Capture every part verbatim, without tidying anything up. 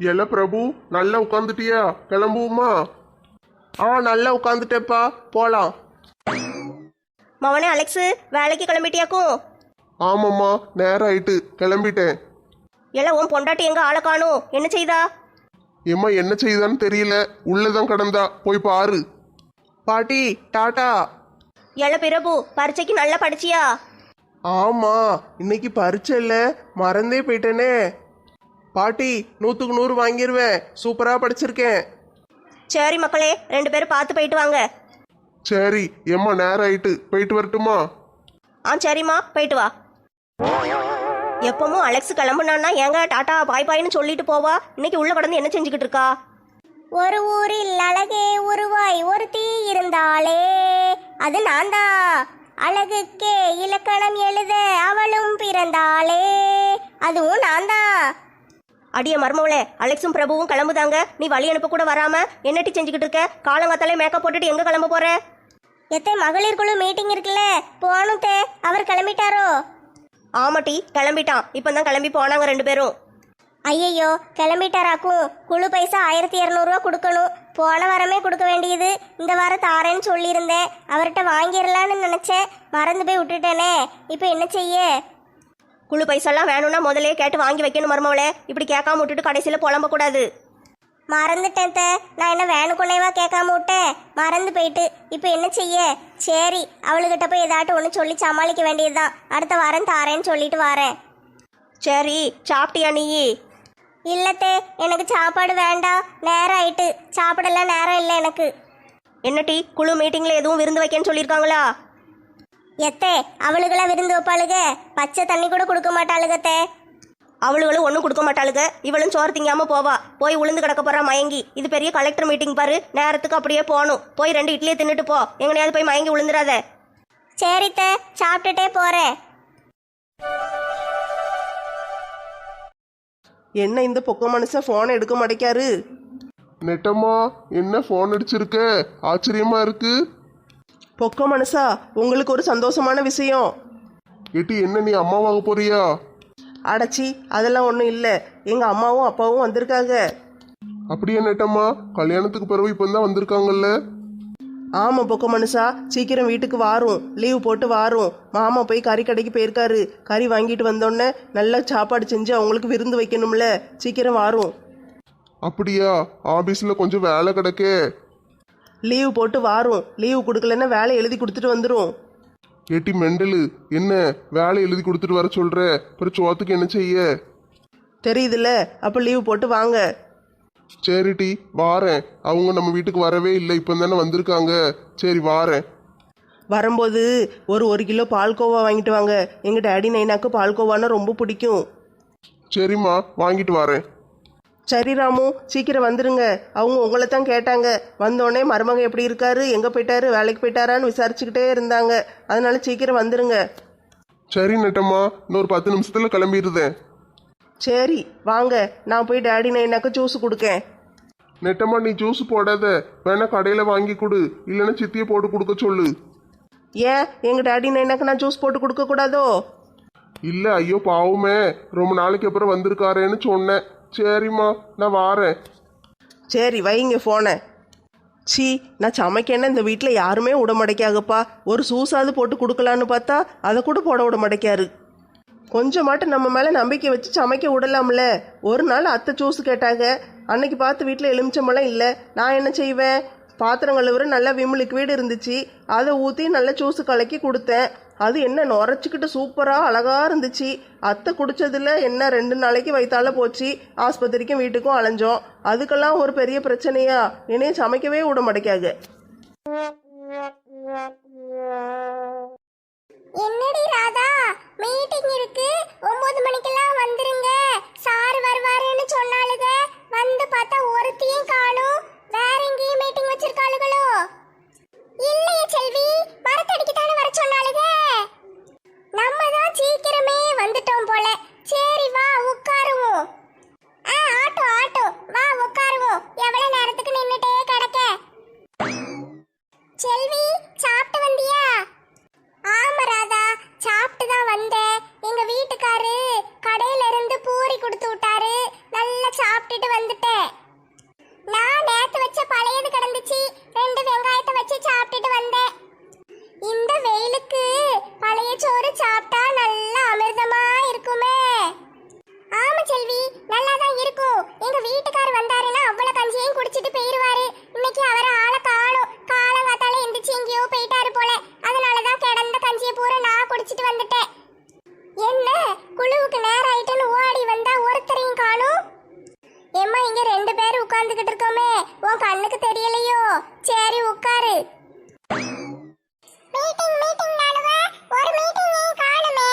எல பிரபு நல்லா உட்காந்துட்டியா? கிளம்புவோமா? ஆ நல்லா உட்காந்துட்டேப்பா, போலாம். மவனே அலெக்ஸு, வேலைக்கு கிளம்பிட்டியாக்கும்? ஆமாம்மா, நேரம் ஆயிட்டு, கிளம்பிட்டேன். எல்லாம் உன் பொண்டாட்டி எங்க ஆளை காணும், என்ன செய்தா? எம்மா என்ன செய்தான்னு தெரியல, உள்ளதான் கடந்தா, போய் பாரு. பாட்டி டாட்டா. எல பிரபு, பரீட்சைக்கு நல்லா படிச்சியா? ஆமா, இன்னைக்கு பரீட்சை இல்ல, மறந்தே போயிட்டேனே. பாட்டி நூத்துக்கு நூறு வாங்கிடுவேன், சூப்பரா படிச்சிருக்கேன். சரி மக்களே, ரெண்டு பேரும் பார்த்து போயிட்டு வாங்க. சரி எம்மா, நேரம் ஆயிட்டு, போயிட்டு வரட்டுமா? ஆ சரிம்மா, போயிட்டு வா. எப்பவும் அலெக்ஸ் கிளம்புனான்னா ஏங்க டாட்டா பாய் பாய்னு சொல்லிட்டு போவா, இன்னைக்கு உள்ள கடந்து என்ன செஞ்சுக்கிட்டு இருக்கா? ஒரு ஊரில் அழகே உருவாய் ஒருத்தி இருந்தாளே, அது நான் தான். அழகுக்கே இலக்கணம் எழுத அவளும் பிறந்தாளே, அதுவும் நான் தான். அடிய மர்மவளே, அலெக்ஸும் பிரபுவும் கிளம்புதாங்க, நீ வழி அனுப்ப கூட வராம என்னட்டி செஞ்சுக்கிட்டு இருக்க? காலங்காத்தாலே மேக்கப் போட்டுட்டு எங்க கிளம்ப போற? எத்தே மகளிர் குழு மீட்டிங் இருக்குல்ல, போகணும் தே. அவர் கிளம்பிட்டாரோ? ஆமாட்டி, கிளம்பிட்டான். இப்பதான் கிளம்பி போனாங்க ரெண்டு பேரும். ஐயையோ, கிளம்பிட்டாராக்கும். குழு பைசா ஆயிரத்தி இரநூறுவா கொடுக்கணும். போன வாரமே கொடுக்க வேண்டியது, இந்த வாரம் தாரேன்னு சொல்லியிருந்தேன். அவர்கிட்ட வாங்கிடலான்னு நினச்சேன், மறந்து போய் விட்டுட்டேனே. இப்போ என்ன செய்ய? குழு பைசாலாம் வேணும்னா முதலே கேட்டு வாங்கி வைக்கணும் மர்மவளே, இப்படி கேட்காம விட்டுட்டு கடைசியில் புலம்ப கூடாது. மறந்துட்டேன் தே. நான் என்ன வேணுக்குன்னேவா கேட்காம விட்டேன், மறந்து போயிட்டு. இப்போ என்ன செய்ய? சரி, அவளுக்கிட்ட போய் ஏதாட்டும் ஒன்று சொல்லி சமாளிக்க வேண்டியதுதான். அடுத்த வாரம் தாரேன்னு சொல்லிட்டு வரேன். சரி, சாப்பிட்டியா நீ? இல்லத்தே, எனக்கு சாப்பாடு வேண்டாம், நேரம் ஆயிட்டு. சாப்பிடலாம் நேரம் இல்லை எனக்கு. என்ன டீ, குழு மீட்டிங்ல எதுவும் விருந்து வைக்கன்னு சொல்லியிருக்காங்களா? எத்தே, அவளுக்கெல்லாம் விருந்து வைப்பாளுக, பச்சை தண்ணி கூட கொடுக்க மாட்டாளுகத்தே. அவளுகளும் ஒன்றும் கொடுக்க மாட்டாளுங்க, இவளும் சோறு திங்காம போவா. போய் உளுந்து கிடக்க போறா மயங்கி. இது பெரிய கலெக்டர் மீட்டிங் பாரு, நேரத்துக்கு அப்படியே போகணும். போய் ரெண்டு இட்லியை தின்னுட்டு போ, எங்கனையாவது போய் மயங்கி விழுந்துடாத. சரித்தே, சாப்பிட்டுட்டே போறேன். என்ன இந்த பொக்க மனுஷன் போனை எடுக்க மாட்டேக்காரு? நெட்டம்மா, என்ன போன் அடிச்சிருக்க? ஆச்சரியமா இருக்கு. பொக்க மனுஷா, உங்களுக்கு ஒரு சந்தோஷமான விஷயம். எட்டி, என்ன நீ அம்மாவாக போறியா? அடச்சி, அதெல்லாம் ஒன்றும் இல்லை. எங்கள் அம்மாவும் அப்பாவும் வந்திருக்காங்க. அப்படியே நெட்டம்மா, கல்யாணத்துக்கு பிறகு இப்போ தான் வந்திருக்காங்கல்ல? ஆமாம் பொக்க மனுஷா, சீக்கிரம் வீட்டுக்கு வாரும், லீவு போட்டு வாரும். மாமா போய் கறி கடைக்கு போயிருக்காரு, கறி வாங்கிட்டு வந்தோடனே நல்லா சாப்பாடு செஞ்சு அவங்களுக்கு விருந்து வைக்கணும்ல, சீக்கிரம் வாரும். அப்படியா? ஆபீஸ்ல கொஞ்சம் வேலை கிடக்கே. லீவு போட்டு வாரும், லீவு கொடுக்கலன்னா வேலை எழுதி கொடுத்துட்டு வந்துடும். ஏட்டி மெண்டலு, என்ன வேலை எழுதி கொடுத்துட்டு வர சொல்ற? அப்புறம் சோத்துக்கு என்ன செய்ய? தெரியுதுல்ல, அப்போ லீவு போட்டு வாங்க. சரிட்டி, வாரேன். அவங்க நம்ம வீட்டுக்கு வரவே இல்லை, இப்போ தானே வந்திருக்காங்க. சரி வாரேன். வரும்போது ஒரு ஒரு கிலோ பால்கோவா வாங்கிட்டு வாங்க. எங்கள் டேடி நைனாக்கு பால்கோவானா ரொம்ப பிடிக்கும். சரிம்மா, வாங்கிட்டு வரேன். சரி ராமு, சீக்கிரம் வந்துருங்க. அவங்க உங்களை தான் கேட்டாங்க. வந்தோடனே மருமகன் எப்படி இருக்காரு, எங்கே போயிட்டாரு, வேலைக்கு போயிட்டாரான்னு விசாரிச்சுக்கிட்டே இருந்தாங்க. அதனால சீக்கிரம் வந்துருங்க. சரி நெட்டம்மா, இன்னொரு பத்து நிமிஷத்துல கிளம்பிடுதேன். சரி வாங்க, நான் போய் டேடி நைனாக்கு ஜூஸ் கொடுக்கேன். நெட்டம்மா, நீ ஜூஸ் போடாத, வேணா கடையில் வாங்கி கொடு, இல்லைன்னா சித்தியை போட்டு கொடுக்க சொல்லு. ஏன் எங்கள் டேடி நைனாக்கு நான் ஜூஸ் போட்டு கொடுக்க கூடாதோ? இல்லை, ஐயோ பாவமே, ரொம்ப நாளைக்கு அப்புறம் வந்திருக்காரேன்னு சொன்னேன். சரிம்மா, நான் வாரேன். சரி வைங்க ஃபோனை. சி, நான் சமைக்கேன்னா இந்த வீட்டில் யாருமே விட மாட்டேக்காகப்பா. ஒரு சூஸாவது போட்டு கொடுக்கலான்னு பார்த்தா அதை கூட போட விட மாட்டேக்காரு. கொஞ்சமாட்டு நம்ம மேலே நம்பிக்கை வச்சு சமைக்க விடலாம்ல. ஒரு நாள் அத்தை ஜூஸ் கேட்டாங்க, அன்னைக்கு பார்த்து வீட்டில் எலுமிச்சம்பழம் இல்லை. நான் என்ன செய்வேன்? பாத்திரம் கழுவுற நல்லா விம் லிக்விட் இருந்துச்சு, அதை ஊற்றி நல்லா ஜூஸ் கலக்கி கொடுத்தேன். அது என்ன நுரைச்சிக்கிட்டு சூப்பராக அழகாக இருந்துச்சு. அத்தை குடிச்சதுல என்ன ரெண்டு நாளைக்கு வயிற்றால போச்சு. ஆஸ்பத்திரிக்கும் வீட்டுக்கும் அலைஞ்சோம். அதுக்கெல்லாம் ஒரு பெரிய பிரச்சனையா? என்னைய சமைக்கவே விட மாட்டேக்காங்க. என்னடி ராதா, மீட்டிங் இருக்கு, ஒன்பது மணிக்கெல்லாம் வந்துருங்க, சார் வருவாருன்னு சொன்னாலுங்க. வந்து பார்த்தா ஒருத்தையும் காணும். வேற எங்கேயும் மீட்டிங் வச்சிருக்காளுகளோ? இல்லையே செல்வி, மரத்தடிக்கு தானே வர சொன்னாலுங்க. நம்ம தான் சீக்கிரமே வந்துட்டோம் போல. சரி வா உட்காருவோம். ஆ ஆட்டோ ஆட்டோ, வா உட்காருவோம். எவ்வளவு நேரத்துக்கு நின்னுட்டே கிடக்க? செல்வி, சாப்பிட்டு வந்தியா? ஆமா ராதா, சாப்பிட்டு தான் வந்தேன். எங்க வீட்டுக்காரு கடையில இருந்து சாப்பிட்டுட்டு வந்துட்டேன். நான் நேத்து வச்ச பழையது கிடந்துச்சு, ரெண்டு வெங்காயத்தை வச்சு சாப்பிட்டுட்டு வந்தேன். இந்த வெயிலுக்கு பழைய சோறு சாப்பிட்டா நல்லா அமிர்தமா இருக்குமே. ஆமா செல்வி, நல்லா தான் இருக்கும். எங்க வீட்டுக்காரர் வந்தாருன்னா அவ்வளவு கஞ்சியையும் குடிச்சிட்டு போயிருவாரு. இன்னைக்கு அவரை ஆளை காணும். காலங்காத்தால எந்திரிச்சு எங்கேயோ போயிட்டாரு போல. அதனாலதான் கிடந்த கஞ்சியை பூரா நான் குடிச்சிட்டு வந்துட்டேன். என்ன குழுவுக்கு நேரம் ஆயிட்டுன்னு ஓடி வந்தா ஒருத்தரையும் காணும். ஏம்மா, இங்க ரெண்டு பேரும் உட்கார்ந்துகிட்டு இருக்கோமே, உன் கண்ணுக்கு தெரியலையோ? சரி உட்காரு. மீட்டிங் மீட்டிங் நானுவா, ஒரு மீட்டிங் காணுமே.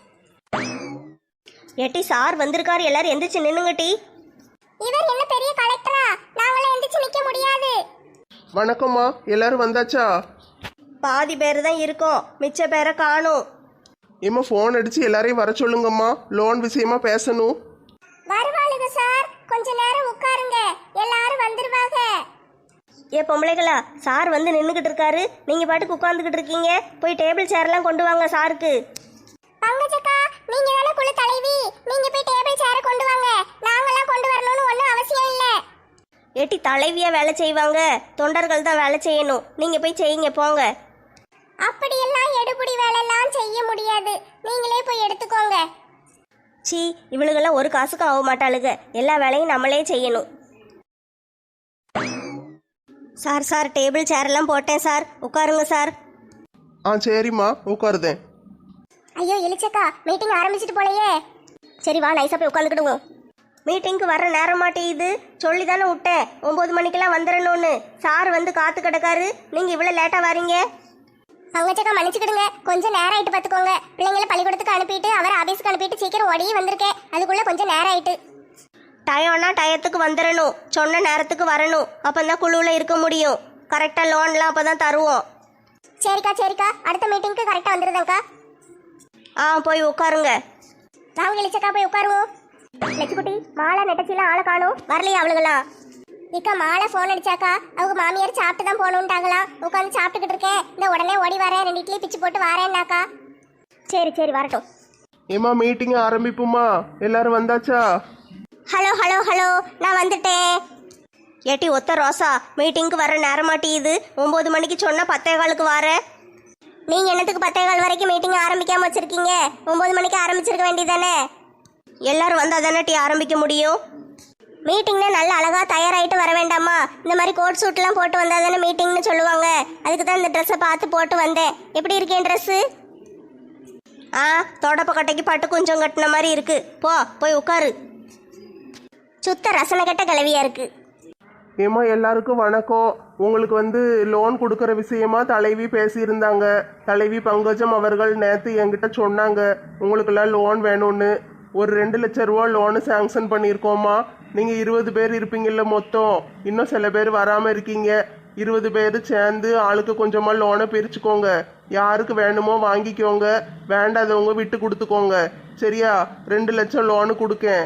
ஏட்டி சார் வந்திருக்காரு, எல்லாரும் எந்திரிச்சு நின்னுங்க டி. இவர் என்ன பெரிய கலெக்டரா? நாங்களே எந்திரிச்சு நிக்க முடியாது. வணக்கம்மா, எல்லாரும் வந்தாச்சா? பாதி பேர் தான் இருக்கோம், மிச்ச பேரை காணும். ஏம்மா ஃபோன் அடிச்சு எல்லாரையும் வர சொல்லுங்கம்மா, லோன் விஷயமா பேசணும். வருவாளுங்க சார், கொஞ்ச நேரம் உட்காருங்க, எல்லாரும் வந்துருவாங்க. ஏ பொம்பளைகளா, சார் வந்து நின்றுக்கிட்டு இருக்காரு, நீங்க பாட்டுக்கு உட்காந்துக்கிட்டு இருக்கீங்க. போய் டேபிள் சேர்லாம் கொண்டு வாங்க சாருக்கு. பங்கஜக்கா, நீங்க தானே குழு தலைவி, நீங்க போய் டேபிள் சேர கொண்டு வாங்க. நாங்கெல்லாம் கொண்டு வரணும்னு ஒன்றும் அவசியம் இல்லை. ஏட்டி தலைவியா வேலை செய்வாங்க, தொண்டர்கள் தான் வேலை செய்யணும். நீங்க போய் செய்யுங்க போங்க. அப்படியெல்லாம் எடுபடி வேலையெல்லாம் செய்ய முடியாது, நீங்களே போய் எடுத்துக்கோங்க. சீ, இவளுகெல்லாம் ஒரு காசுக்கு ஆக மாட்டாளுங்க, எல்லா வேலையும் நம்மளே செய்யணும். சார் சார் டேபிள் சேரெல்லாம் போட்டேன் சார், உட்காருங்க சார். ஆ சரிம்மா, உட்காருதேன். ஐயோ எலிச்சக்கா, மீட்டிங் ஆரம்பிச்சிட்டு போலையே. சரி வா, நைஸாக போய் உட்காந்துக்கிடுவோம். மீட்டிங்க்கு வர நேரம் மாட்டேங்குது, சொல்லி தானே விட்டேன் ஒம்பது மணிக்கெல்லாம் வந்துடணும்னு. சார் வந்து காத்து கிடக்காரு, நீங்கள் இவ்வளோ லேட்டாக வரீங்க. பங்கஜக்கா மன்னிச்சுக்கிடுங்க, கொஞ்சம் நேரம் ஆயிட்டு பார்த்துக்கோங்க. பிள்ளைங்களை பள்ளிக்கூடத்துக்கு அனுப்பிட்டு அவர் ஆபீஸ்க்கு அனுப்பிட்டு சீக்கிரம் ஓடி வந்திருக்கேன், அதுக்குள்ள கொஞ்சம் நேரம் ஆயிட்டு. டயம்னா டயத்துக்கு வந்துடணும், சொன்ன நேரத்துக்கு வரணும், அப்போ தான் குழுவில் இருக்க முடியும். கரெக்டாக லோன்லாம் அப்போ தான் தருவோம். சரிக்கா சரிக்கா, அடுத்த மீட்டிங்க்கு கரெக்டாக வந்துருதேங்க்கா. ஆ போய் உட்காருங்க. வாங்க எலிச்சக்கா, போய் உட்காருவோம். லட்சுக்குட்டி, மாலா நெட்டச்சிலாம் ஆளை காணும், வரலையா அவளுகளா? இக்கா மாலை ஃபோன் அடிச்சாக்கா, அவங்க மாமியார் சாப்பிட்டு தான் போகணுன்ட்டாங்களாம். உட்காந்து சாப்பிட்டுக்கிட்டு இருக்கேன், இந்த உடனே ஓடி வரேன், ரெண்டு இட்லி பிச்சு போட்டு வரேன்னாக்கா. சரி சரி வரட்டும். ஏம்மா மீட்டிங் ஆரம்பிப்புமா, எல்லாரும் வந்தாச்சா? ஹலோ ஹலோ ஹலோ, நான் வந்துட்டேன். ஏட்டி ஒத்த ரோசா, மீட்டிங்க்கு வர நேரம் மாட்டேங்குது. ஒம்பது மணிக்கு சொன்னால் பத்தே காலுக்கு வர. நீங்கள் என்னத்துக்கு பத்தே கால் வரைக்கும் மீட்டிங் ஆரம்பிக்காமல் வச்சுருக்கீங்க? ஒம்பது மணிக்கு ஆரம்பிச்சிருக்க வேண்டியதானே? எல்லாரும் வந்தால் தானே டீ ஆரம்பிக்க முடியும். மீட்டிங்னா நல்ல அழகாக தயாராகிட்டு வர வேண்டாமா? இந்த மாதிரி கோட் சூட்லாம் போட்டு வந்தால் தானே மீட்டிங்னு சொல்லுவாங்க. அதுக்கு தான் இந்த ட்ரெஸ்ஸை பார்த்து போட்டு வந்தேன். எப்படி இருக்கேன் ட்ரெஸ்ஸு? ஆ, தொடப்பக்கட்டைக்கு பட்டு கொஞ்சம் கட்டின மாதிரி இருக்கு. போ போய் உட்காரு. சுத்த ரசனை கட்ட கிளவியா இருக்கு. ஏம்மா எல்லாருக்கும் வணக்கம். உங்களுக்கு வந்து லோன் கொடுக்குற விஷயமா தலைவி பேசியிருந்தாங்க. தலைவி பங்கஜம் அவர்கள் நேற்று என்கிட்ட சொன்னாங்க உங்களுக்கெல்லாம் லோன் வேணும்னு. ஒரு ரெண்டு லட்சம் ரூபா லோனு சேங்ஷன் பண்ணியிருக்கோம்மா. நீங்கள் இருபது பேர் இருப்பீங்கல்ல மொத்தம், இன்னும் சில பேர் வராமல் இருக்கீங்க. இருபது பேர் சேர்ந்து ஆளுக்கு கொஞ்சமாக லோனை பிரிச்சுக்கோங்க. யாருக்கு வேணுமோ வாங்கிக்கோங்க, வேண்டாதவங்க விட்டு கொடுத்துக்கோங்க. சரியா? ரெண்டு லட்சம் லோனு கொடுக்கேன்.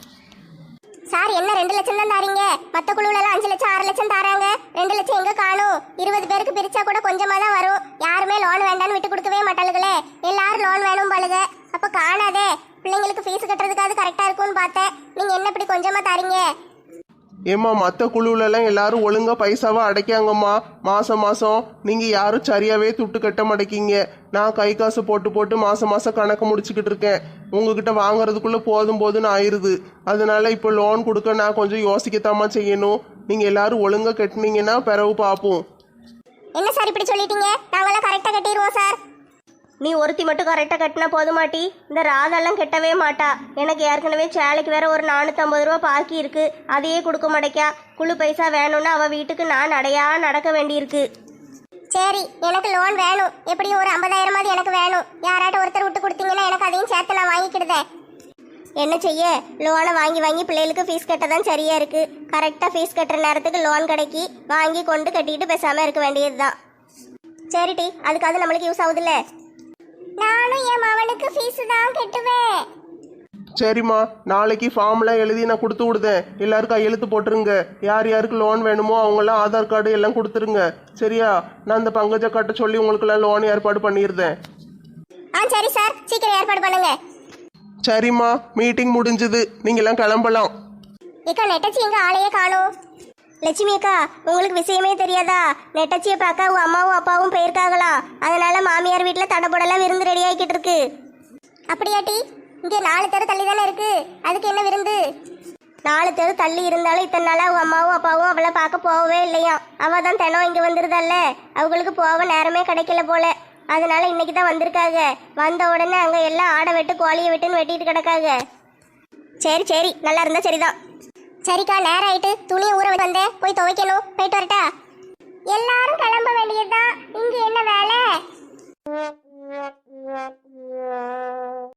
சார் என்ன ரெண்டு லட்சம் தான் தாரீங்க? மற்ற குழுவில அஞ்சு லட்சம் ஆறு லட்சம் தாராங்க. ரெண்டு லட்சம் எங்க காணும்? இருபது பேருக்கு பிரிச்சா கூட கொஞ்சமா தான் வரும். யாருமே லோன் வேண்டான்னு விட்டு கொடுக்கவே மாட்டாளுகளே. எல்லாரும் லோன் வேணும் பாளுங்க. அப்ப காணாதே, பிள்ளைங்களுக்கு ஃபீஸ் கட்டுறதுக்காவது கரெக்டா இருக்கும்னு பார்த்தேன். நீங்க என்ன இப்படி கொஞ்சமா தாரீங்க? ஏம்மா மற்ற குழுவிலலாம் எல்லாரும் ஒழுங்காக பைசாவை அடைக்காங்கம்மா. மாதம் மாதம் நீங்கள் யாரும் சரியாகவே துட்டு கட்ட மாட்டேங்கிங்க. நான் கை காசு போட்டு போட்டு மாதம் மாதம் கணக்கு முடிச்சுக்கிட்டு இருக்கேன். உங்ககிட்ட வாங்குறதுக்குள்ளே போதும் போதுன்னு ஆயிடுது. அதனால இப்போ லோன் கொடுக்க நான் கொஞ்சம் யோசிக்கத்தாம்மா செய்யணும். நீங்கள் எல்லாரும் ஒழுங்காக கட்டினீங்கன்னா பிறகு பார்ப்போம். என்ன சார் இப்படி சொல்லிட்டீங்க? நாங்களாம் கரெக்டாக கட்டிடுவோம் சார். நீ ஒருத்தி மட்டும் கரெக்டாக கட்டினா போதுமாட்டி? இந்த ராதெல்லாம் கெட்டவே மாட்டா. எனக்கு ஏற்கனவே சேலைக்கு வேற ஒரு நானூற்றம்பது ரூபா பாக்கி இருக்கு, அதையே கொடுக்க மாட்டேக்கா. குழு பைசா வேணும்னு அவள் வீட்டுக்கு நான் நடையா நடக்க வேண்டியிருக்கு. சரி, எனக்கு லோன் வேணும். எப்படியும் ஒரு ஐம்பதாயிரமாவது எனக்கு வேணும். யாராட்ட ஒருத்தர் விட்டு கொடுத்தீங்கன்னா எனக்கு அதையும் சேர்த்து நான் வாங்கிக்கிடுதேன். என்ன செய்ய, லோனை வாங்கி வாங்கி பிள்ளைகளுக்கு ஃபீஸ் கட்ட தான் சரியா இருக்கு. கரெக்டாக ஃபீஸ் கட்டுற நேரத்துக்கு லோன் கிடைக்கி வாங்கி கொண்டு கட்டிட்டு பேசாமல் இருக்க வேண்டியது தான். சரிட்டி, அதுக்காவது நம்மளுக்கு யூஸ் ஆகுதுல்ல. நானும் என் மவனுக்கு ஃபீஸ் தான் கட்டுவேன். சரிம்மா, நாளைக்கு ஃபார்ம்லாம் எழுதி நான் கொடுத்து விடுதேன். எல்லாருக்கும் கையெழுத்து போட்டுருங்க. யார் யாருக்கு லோன் வேணுமோ அவங்களாம் ஆதார் கார்டு எல்லாம் கொடுத்துருங்க. சரியா? நான் இந்த பங்கஜ காட்ட சொல்லி உங்களுக்கெல்லாம் லோன் ஏற்பாடு பண்ணிடுறேன். ஆ சரி சார், சீக்கிரம் ஏற்பாடு பண்ணுங்க. சரிம்மா, மீட்டிங் முடிஞ்சது, நீங்களாம் கிளம்பலாம். ஏக்கா நெட்டச்சி எங்க ஆளையே காணோம். லட்சுமி அக்கா, உங்களுக்கு விஷயமே தெரியாதா? நெட்டச்சியை பார்க்க உங்க அம்மாவும் அப்பாவும் போயிருக்காங்களா, அதனால மாமியார் வீட்டில் தடபுடலாம் விருந்து ரெடி ஆகிக்கிட்டு இருக்கு. அப்படியாட்டி? இங்கே நாலு தெரு தள்ளி தானே இருக்கு, அதுக்கு என்ன விருந்து? நாலு தெரு தள்ளி இருந்தாலும் இத்தனை நாளா அவங்க அம்மாவும் அப்பாவும் அவளை பார்க்க போகவே இல்லையா. அவ தான் தினம் இங்கே வந்துருதல்ல, அவங்களுக்கு போக நேரமே கிடைக்கல போல. அதனால இன்னைக்கு தான் வந்திருக்காங்க. வந்த உடனே அங்கே எல்லாம் ஆடை வெட்டு கோழியை வெட்டுன்னு வெட்டிட்டு கிடக்காங்க. சரி சரி, நல்லா இருந்தா சரிதான். சரிக்கா, நேரம் ஆயிட்டு, துணியை ஊற வந்தேன், போய் துவைக்கணும். போயிட்டு வரட்டா? எல்லாரும் கிளம்ப வேண்டியதுதான், இங்க என்ன வேலை?